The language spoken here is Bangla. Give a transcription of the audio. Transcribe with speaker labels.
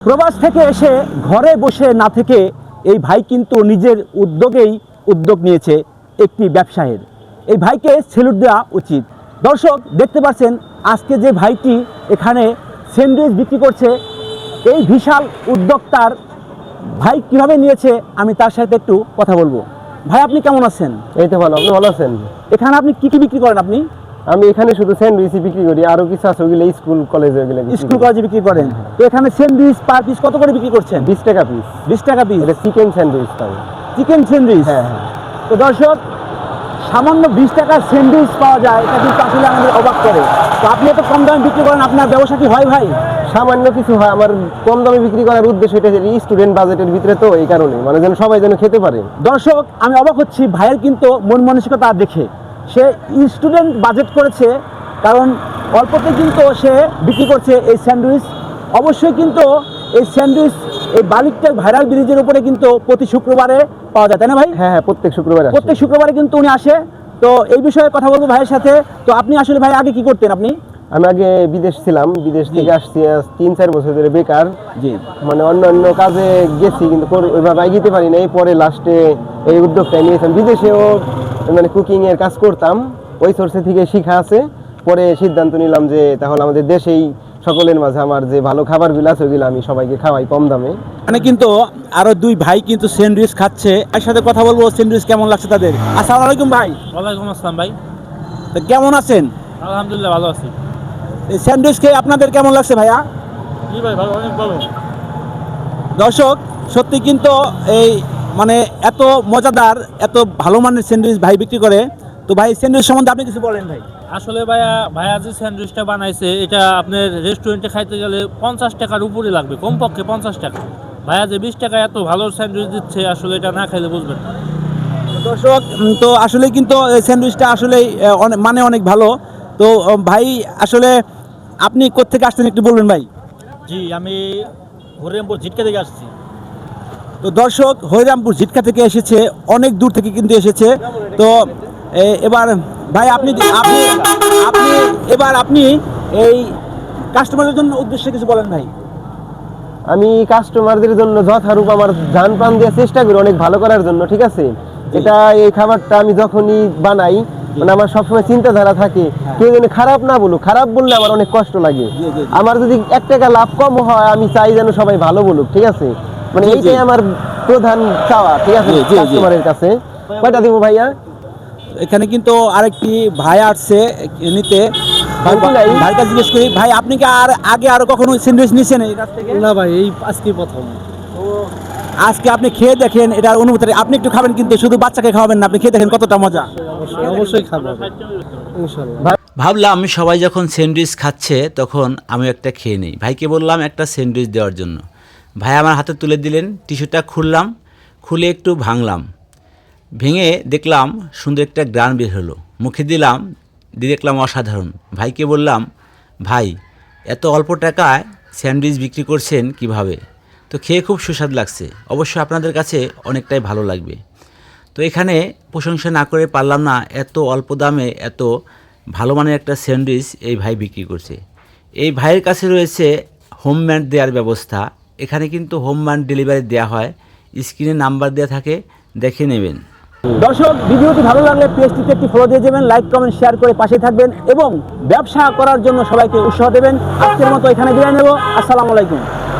Speaker 1: প্রবাস থেকে এসে ঘরে বসে না থেকে এই ভাই কিন্তু নিজের উদ্যোগ নিয়েছে একটি ব্যবসায়ের। এই ভাইকে স্যালুট দেওয়া উচিত। দর্শক দেখতে পাচ্ছেন আজকে যে ভাইটি এখানে স্যান্ডউইচ বিক্রি করছে, এই বিশাল উদ্যোক্তার ভাই কিভাবে নিয়েছে আমি তার সাথে একটু কথা বলবো। ভাই আপনি কেমন আছেন?
Speaker 2: এই তো ভালো। আপনি ভালো আছেন?
Speaker 1: এখানে আপনি কি বিক্রি করেন?
Speaker 2: আমি এখানে শুধু স্যান্ডউইচ বিক্রি করি, আরো কিছু আছে ওগুলো স্কুল কলেজে
Speaker 1: বিক্রি করেন। তো এখানে স্যান্ডউইচ পার পিস কত করে বিক্রি করছেন?
Speaker 2: 20 টাকা পিস।
Speaker 1: 20 টাকা পিস।
Speaker 2: এটা চিকেন স্যান্ডউইচ পাবে।
Speaker 1: Chicken sandwich?
Speaker 2: হ্যাঁ।
Speaker 1: তো দর্শক সামান্য 20 টাকার স্যান্ডউইচ পাওয়া যায়, এটা কিন্তু আসলে আমাদের অবাক করে। তো আপনি এত কম দামে বিক্রি করেন, আপনার ব্যবসা কি হয় ভাই?
Speaker 2: সামান্য কিছু হয়। আমার কম দামে বিক্রি করার উদ্দেশ্য এটা স্টুডেন্ট বাজেটের ভিতরে, তো এই কারণে মানে যেন সবাই যেন খেতে পারে।
Speaker 1: দর্শক আমি অবাক হচ্ছি ভাইয়ের কিন্তু মন মানসিকতা দেখে। সে স্টুডেন্ট বাজেট করেছে, কারণ অল্পতে কিন্তু সে বিক্রি করছে এই স্যান্ডউইচ। অবশ্যই কিন্তু এই স্যান্ডউইচ এই বালিকটেক ভাইরাল ব্রিজের উপরে কিন্তু প্রতি শুক্রবারে পাওয়া যায়, তাই না ভাই?
Speaker 2: হ্যাঁ, প্রত্যেক
Speaker 1: শুক্রবারে কিন্তু উনি আসে। তো এই বিষয়ে কথা বলবো ভাইয়ের সাথে। তো আপনি আসলে ভাই আগে কি করতেন?
Speaker 2: আমি আগে বিদেশ ছিলাম, বিদেশ থেকে আসছি 3-4 বছর ধরে বেকার।
Speaker 1: জি,
Speaker 2: মানে অন্য কাজে গেছি কিন্তু ওইভাবে এগিয়ে পারি নাই। পরে লাস্টে এই উদ্যোগটা নিয়েছিলাম। বিদেশেও মানে কুকিং এর কাজ করতাম, ওই সোর্সে থেকে শিখা আছে। পরে সিদ্ধান্ত নিলাম যে তাহলে আমাদের দেশেই সকলের মাঝে আমার যে ভালো খাবারগুলো আছে ওইগুলো আমি সবাইকে খাওয়াই কম দামে।
Speaker 1: মানে কিন্তু আরো দুই ভাই কিন্তু স্যান্ডউইচ খাচ্ছে, এর সাথে কথা বলবো স্যান্ডউইচ কেমন লাগছে তাদের। আসসালামু আলাইকুম ভাই।
Speaker 3: ওয়ালাইকুম আসসালাম ভাই।
Speaker 1: তো কেমন আছেন?
Speaker 3: আলহামদুলিল্লাহ ভালো আছি।
Speaker 1: এই স্যান্ডউইচ খেয়ে আপনাদের কেমন লাগছে ভাইয়া?
Speaker 3: জি ভাই, ভালো, অনেক ভালো।
Speaker 1: দর্শক সত্যি কিন্তু এই মানে এত মজাদার, এত ভালো মানের স্যান্ডউইচ ভাই বিক্রি করে। তো ভাই স্যান্ডউইচ সম্বন্ধে আপনি কিছু বলেন ভাই।
Speaker 3: আসলে ভাইয়া যে স্যান্ডউইচটা বানাইছে এটা আপনার রেস্টুরেন্টে খাইতে গেলে 50 টাকার উপরে লাগবে, কমপক্ষে 50 টাকা। ভাইয়া যে 20 টাকায় এত ভালো স্যান্ডউইচ দিচ্ছে, আসলে এটা না খাইলে বুঝবেন না।
Speaker 1: দর্শক তো আসলে কিন্তু এই স্যান্ডউইচটা আসলে অনেক ভালো। তো ভাই আসলে আপনি কোত্থেকে আসছেন একটু বলবেন ভাই।
Speaker 3: জি, আমি হরিরামপুর ঝিটকা থেকে আসছি।
Speaker 1: তো দর্শক হরিরামপুর ঝিটকা থেকে এসেছে, অনেক দূর থেকে কিন্তু এসেছে। তো এবার ভাই আপনি এই কাস্টমারের জন্য উদ্দেশ্যে কিছু বলেন ভাই।
Speaker 2: আমি কাস্টমারদের জন্য যথারূপ আমার জান প্রাণ দেওয়ার চেষ্টা করি অনেক ভালো করার জন্য, ঠিক আছে? এটা এই খাবারটা আমি যখনই বানাই মানে আমার সবসময় চিন্তাধারা থাকে কেউ যেন খারাপ না বলুক। খারাপ বললে আমার অনেক কষ্ট লাগে। আমার যদি 1 টাকা লাভ কম হয় আমি চাই যেন সবাই ভালো বলুক, ঠিক আছে? মানে এইটাই আমার প্রধান চাওয়া, ঠিক আছে, কাস্টমারের কাছে। কয়টা দিব ভাইয়া?
Speaker 1: এখানে কিন্তু আরেকটি ভাই আসছে নিতে। ভাইটা জিজ্ঞেস করি, ভাই আপনি কি আগে আরো কখনো স্যান্ডউইচ নিয়েছেন এই কাছ থেকে?
Speaker 3: না ভাই, এই আজকে প্রথম।
Speaker 1: আজকে আপনি খেয়ে দেখেন এটার অনুভূতি। আপনি একটু খাবেন, কিন্তু শুধু বাচ্চাকে খাওয়াবেন না, আপনি খেয়ে দেখেন কতটা মজা।
Speaker 3: অবশ্যই খাবো ইনশাআল্লাহ।
Speaker 4: ভাবলাম সবাই যখন স্যান্ডউইচ খাচ্ছে তখন আমি একটা খেয়ে নিই। ভাইকে বললাম একটা স্যান্ডউইচ দেওয়ার জন্য। ভাই আমার হাতে তুলে দিলেন, টিস্যুটা খুললাম, খুলে একটু ভাঙলাম, ভেঙে দেখলাম সুন্দর একটা গ্রান বের হলো। মুখে দিলাম, দিয়ে দেখলাম অসাধারণ। ভাইকে বললাম, ভাই এত অল্প টাকায় স্যান্ডউইচ বিক্রি করছেন কিভাবে? তো খেয়ে খুব সুস্বাদ লাগছে, অবশ্যই আপনাদের কাছে অনেকটাই ভালো লাগবে। তো এখানে প্রশংসা না করে পারলাম না, এত অল্প দামে এত ভালো মানের একটা স্যান্ডউইচ এই ভাই বিক্রি করছে। এই ভাইয়ের কাছে রয়েছে হোমমেড দেওয়ার ব্যবস্থা। এখানে কিন্তু হোমমেড ডেলিভারি দেওয়া হয়, স্ক্রিনে নাম্বার দেওয়া থাকে, দেখে নেবেন।
Speaker 1: দর্শক ভিডিওটি ভালো লাগলে পেজটিতে একটি ফলো দিয়ে দেবেন, লাইক কমেন্ট শেয়ার করে পাশে থাকবেন এবং ব্যবসা করার জন্য সবাইকে উৎসাহ দেবেন। আজকের মতো এখানে বিদায় নেব। আসসালামু আলাইকুম।